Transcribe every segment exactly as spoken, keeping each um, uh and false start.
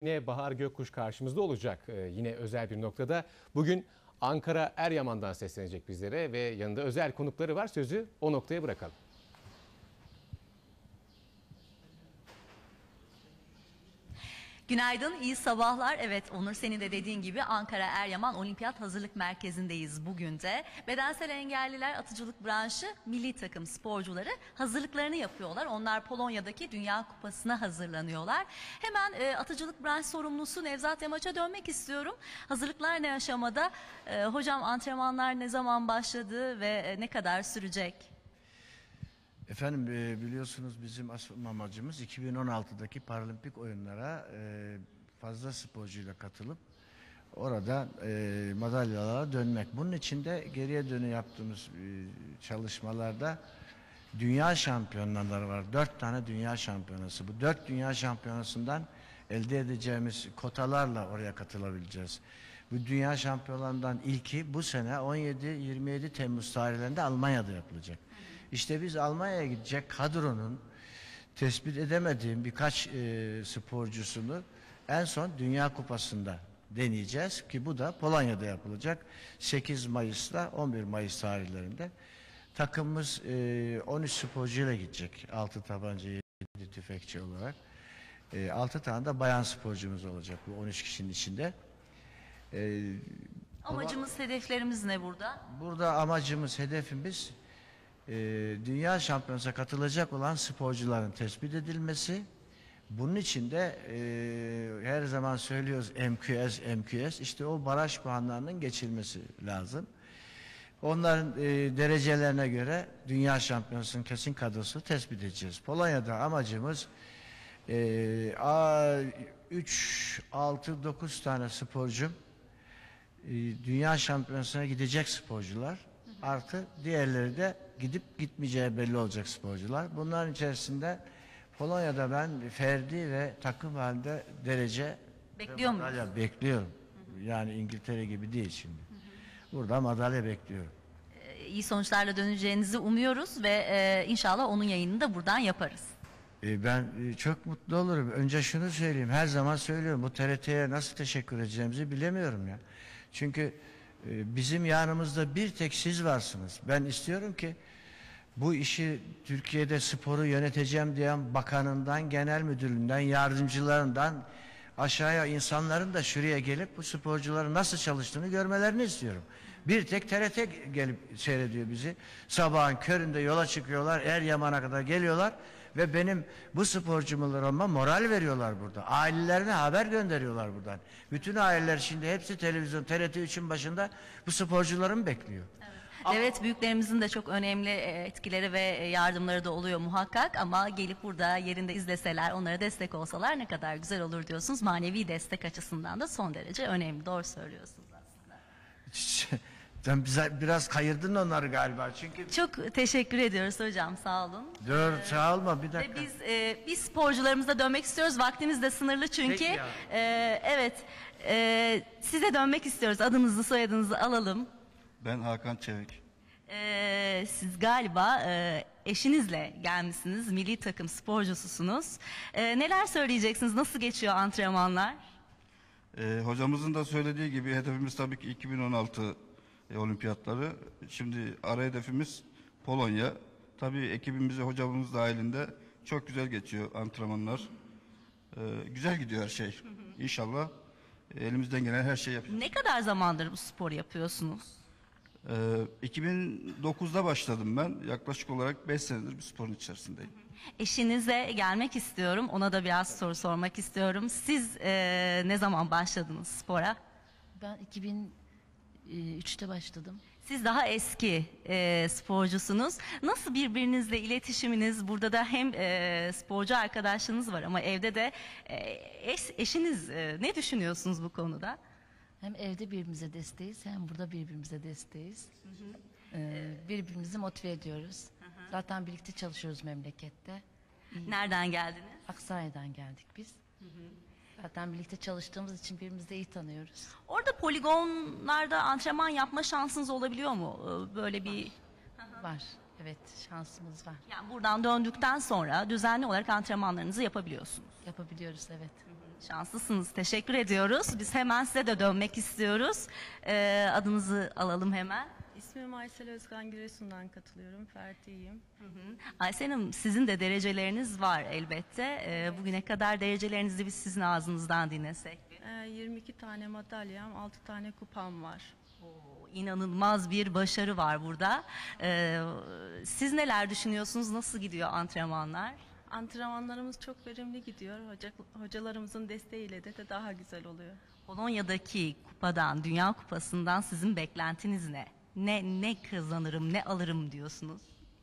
Yine Bahar Gökkuş karşımızda olacak ee, yine özel bir noktada. Bugün Ankara Eryaman'dan seslenecek bizlere ve yanında özel konukları var. Sözü o noktaya bırakalım. Günaydın, iyi sabahlar. Evet Onur, senin de dediğin gibi Ankara Eryaman Olimpiyat Hazırlık Merkezi'ndeyiz bugün de. Bedensel engelliler atıcılık branşı milli takım sporcuları hazırlıklarını yapıyorlar. Onlar Polonya'daki Dünya Kupası'na hazırlanıyorlar. Hemen e, atıcılık branş sorumlusu Nevzat Yamaç'a dönmek istiyorum. Hazırlıklar ne aşamada? E, hocam, antrenmanlar ne zaman başladı ve e, ne kadar sürecek? Efendim biliyorsunuz bizim asıl amacımız iki bin on altıdaki Paralimpik oyunlara fazla sporcuyla katılıp orada madalyalara dönmek. Bunun için de geriye dönü yaptığımız çalışmalarda dünya şampiyonları var. Dört tane dünya şampiyonası. Bu dört dünya şampiyonasından elde edeceğimiz kotalarla oraya katılabileceğiz. Bu dünya şampiyonlarından ilki bu sene on yedi yirmi yedi Temmuz tarihlerinde Almanya'da yapılacak. İşte biz Almanya'ya gidecek kadronun tespit edemediğim birkaç e, sporcusunu en son Dünya Kupası'nda deneyeceğiz ki bu da Polonya'da yapılacak sekiz Mayıs'la on bir Mayıs tarihlerinde. Takımımız e, on üç sporcuyla gidecek, altı tabanca yedi tüfekçi olarak. E, altı tane de bayan sporcumuz olacak bu on üç kişinin içinde. E, Amacımız, ama, hedeflerimiz ne burada? Burada amacımız, hedefimiz e, dünya şampiyonasına katılacak olan sporcuların tespit edilmesi. Bunun için de e, her zaman söylüyoruz M Q S, M Q S, işte o baraj puanlarının geçilmesi lazım. Onların e, derecelerine göre dünya şampiyonasının kesin kadrosu tespit edeceğiz. Polonya'da amacımız e, üç, altı, dokuz tane sporcum e, dünya şampiyonasına gidecek sporcular. Hı hı. Artı diğerleri de gidip gitmeyeceği belli olacak sporcular. Bunların içerisinde Polonya'da ben ferdi ve takım halinde derece bekliyor muyuz? Bekliyorum. Hı hı. Yani İngiltere gibi değil şimdi. Hı hı. Burada madalya bekliyorum. Ee, iyi sonuçlarla döneceğinizi umuyoruz ve e, inşallah onun yayınını da buradan yaparız. E, ben e, çok mutlu olurum. Önce şunu söyleyeyim. Her zaman söylüyorum. Bu T R T'ye nasıl teşekkür edeceğimizi bilemiyorum ya. Çünkü e, bizim yanımızda bir tek siz varsınız. Ben istiyorum ki bu işi Türkiye'de sporu yöneteceğim diyen bakanından, genel müdüründen, yardımcılarından aşağıya insanların da şuraya gelip bu sporcuların nasıl çalıştığını görmelerini istiyorum. Bir tek T R T gelip seyrediyor bizi. Sabahın köründe yola çıkıyorlar, Eryaman'a kadar geliyorlar ve benim bu sporcularıma moral veriyorlar burada. Ailelerine haber gönderiyorlar buradan. Bütün aileler şimdi hepsi televizyon, T R T üçün başında bu sporcularımı bekliyor. Evet. Evet, büyüklerimizin de çok önemli etkileri ve yardımları da oluyor muhakkak, ama gelip burada yerinde izleseler, onlara destek olsalar ne kadar güzel olur diyorsunuz. Manevi destek açısından da son derece önemli. Doğru söylüyorsunuz aslında. Sen bize biraz kayırdın onları galiba çünkü. Çok teşekkür ediyoruz hocam, sağ olun. Dur, ee, sağ olma, bir dakika. Biz e, biz sporcularımıza dönmek istiyoruz. Vaktimiz de sınırlı çünkü. E, evet, e, size dönmek istiyoruz. Adınızı, soyadınızı alalım. Ben Hakan Çevik. Ee, siz galiba e, eşinizle gelmişsiniz, milli takım sporcususunuz. Ee, neler söyleyeceksiniz, nasıl geçiyor antrenmanlar? Ee, hocamızın da söylediği gibi hedefimiz tabii ki iki bin on altı e, olimpiyatları. Şimdi ara hedefimiz Polonya. Tabii ekibimizi, hocamız dahilinde çok güzel geçiyor antrenmanlar. Ee, güzel gidiyor her şey. İnşallah e, elimizden gelen her şeyi yapıyoruz. Ne kadar zamandır bu sporu yapıyorsunuz? Ee, iki bin dokuzda başladım ben. Yaklaşık olarak beş senedir bir sporun içerisindeyim. Eşinize gelmek istiyorum. Ona da biraz soru sormak istiyorum. Siz e, ne zaman başladınız spora? Ben iki bin üçte başladım. Siz daha eski e, sporcusunuz. Nasıl birbirinizle iletişiminiz? Burada da hem e, sporcu arkadaşlarınız var ama evde de e, eş, eşiniz e, ne düşünüyorsunuz bu konuda? Hem evde birbirimize desteğiz, hem burada birbirimize desteğiz. Hı hı. Ee, birbirimizi motive ediyoruz. Hı hı. Zaten birlikte çalışıyoruz memlekette. Nereden geldiniz? Aksaray'dan geldik biz. Hı hı. Zaten birlikte çalıştığımız için birbirimizi de iyi tanıyoruz. Orada poligonlarda antrenman yapma şansınız olabiliyor mu? Böyle bir... Var. Var. Evet, şansımız var. Yani buradan döndükten sonra düzenli olarak antrenmanlarınızı yapabiliyorsunuz. Yapabiliyoruz, evet. Hı hı. Şanslısınız. Teşekkür ediyoruz. Biz hemen size de dönmek istiyoruz. Ee, adınızı alalım hemen. İsmim Aysel Özkan, Giresun'dan katılıyorum. Ferdi'yim. Aysel Hanım, sizin de dereceleriniz var elbette. Ee, bugüne kadar derecelerinizi biz sizin ağzınızdan dinlesek. Ee, yirmi iki tane madalyam, altı tane kupam var. Oo, İnanılmaz bir başarı var burada. Ee, siz neler düşünüyorsunuz? Nasıl gidiyor antrenmanlar? Antrenmanlarımız çok verimli gidiyor. Hoca, hocalarımızın desteğiyle de, de daha güzel oluyor. Polonya'daki kupadan, Dünya Kupası'ndan sizin beklentiniz ne? Ne ne kazanırım, ne alırım diyorsunuz?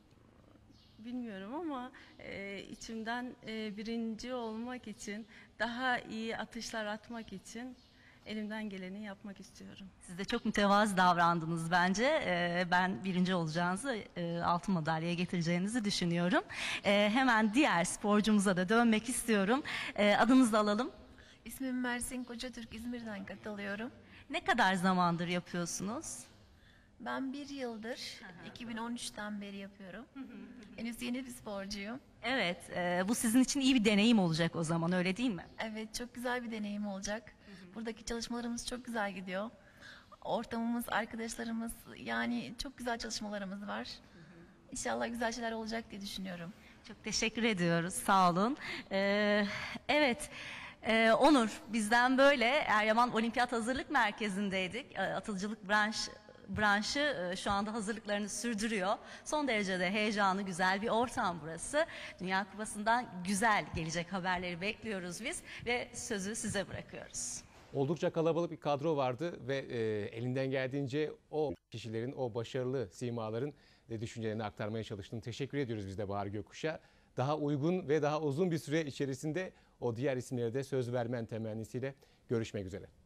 Bilmiyorum ama e, içimden e, birinci olmak için, daha iyi atışlar atmak için elimden geleni yapmak istiyorum. Siz de çok mütevazı davrandınız bence. Ee, ben birinci olacağınızı, e, altın madalyaya getireceğinizi düşünüyorum. Ee, hemen diğer sporcumuza da dönmek istiyorum. Ee, adınızı alalım. İsmim Mersin Kocatürk, İzmir'den katılıyorum. Ne kadar zamandır yapıyorsunuz? Ben bir yıldır, iki bin on üçten beri yapıyorum. Henüz yeni bir sporcuyum. Evet, e, bu sizin için iyi bir deneyim olacak o zaman, öyle değil mi? Evet, çok güzel bir deneyim olacak. Buradaki çalışmalarımız çok güzel gidiyor. Ortamımız, arkadaşlarımız, yani çok güzel çalışmalarımız var. İnşallah güzel şeyler olacak diye düşünüyorum. Çok teşekkür ediyoruz, sağ olun. Ee, evet, e, Onur, bizden böyle Eryaman Olimpiyat Hazırlık Merkezi'ndeydik. E, Atıcılık branş branşı e, şu anda hazırlıklarını sürdürüyor. Son derece de heyecanlı, güzel bir ortam burası. Dünya Kupası'ndan güzel gelecek haberleri bekliyoruz biz ve sözü size bırakıyoruz. Oldukça kalabalık bir kadro vardı ve e, elinden geldiğince o kişilerin, o başarılı simaların de düşüncelerini aktarmaya çalıştım. Teşekkür ediyoruz biz de Bahar Gökkuş'a. Daha uygun ve daha uzun bir süre içerisinde o diğer isimlere de söz vermen temennisiyle görüşmek üzere.